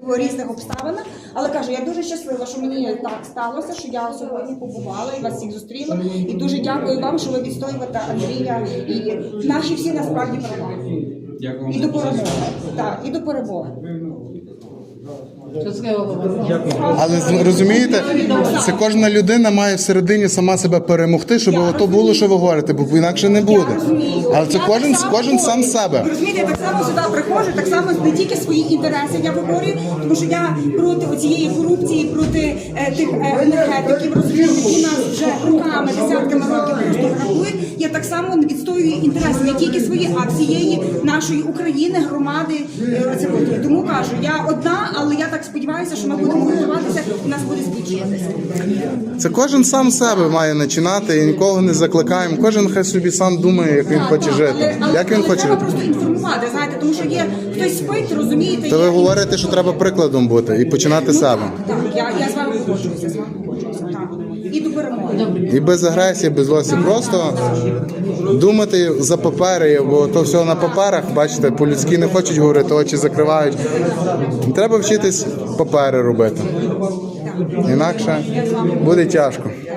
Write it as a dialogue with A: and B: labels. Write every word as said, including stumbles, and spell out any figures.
A: по різних обставинах. Але кажу, я дуже щаслива, що мені так сталося, що я сьогодні побувала і вас всіх зустріла. І дуже дякую вам, що ви відстоюєте Андрія і наші всі насправді права. І до перемоги. Так, і до перемоги.
B: Але розумієте, це кожна людина має всередині сама себе перемогти, щоб то було, що ви говорите, бо інакше не буде. Але це кожен, кожен сам себе.
A: Розумієте, я так само сюди приходжу, так само не тільки свої інтереси я виборюю, тому що я проти цієї корупції, проти е, тих е, енергетиків, розумієте, які нас вже роками, десятками років просто грабують. Я так само відстоюю інтереси не тільки свої, а всієї нашої України, громади. Е, тому кажу, я одна, але я так сподіваюся, що ми будемо готуватися і нас буде збільшуватися.
B: Це кожен сам себе має починати і нікого не закликаємо. Кожен хай собі сам думає, як він хоче жити.
A: Але, але,
B: Як він
A: але
B: хоче
A: треба
B: жити.
A: просто інформувати, знаєте, тому що є хтось спить, розумієте.
B: То ви
A: є...
B: говорите, що треба прикладом бути і починати
A: ну,
B: себе.
A: Так, так, я, я з вами погоджуюся, з вами погоджуюся, так. І до перемоги.
B: І без агресії, без злості. Просто думати за папери, бо то все на паперах, бачите, по-людськи не хочуть говорити, очі закривають. Треба вчитись папери робити. Інакше буде тяжко.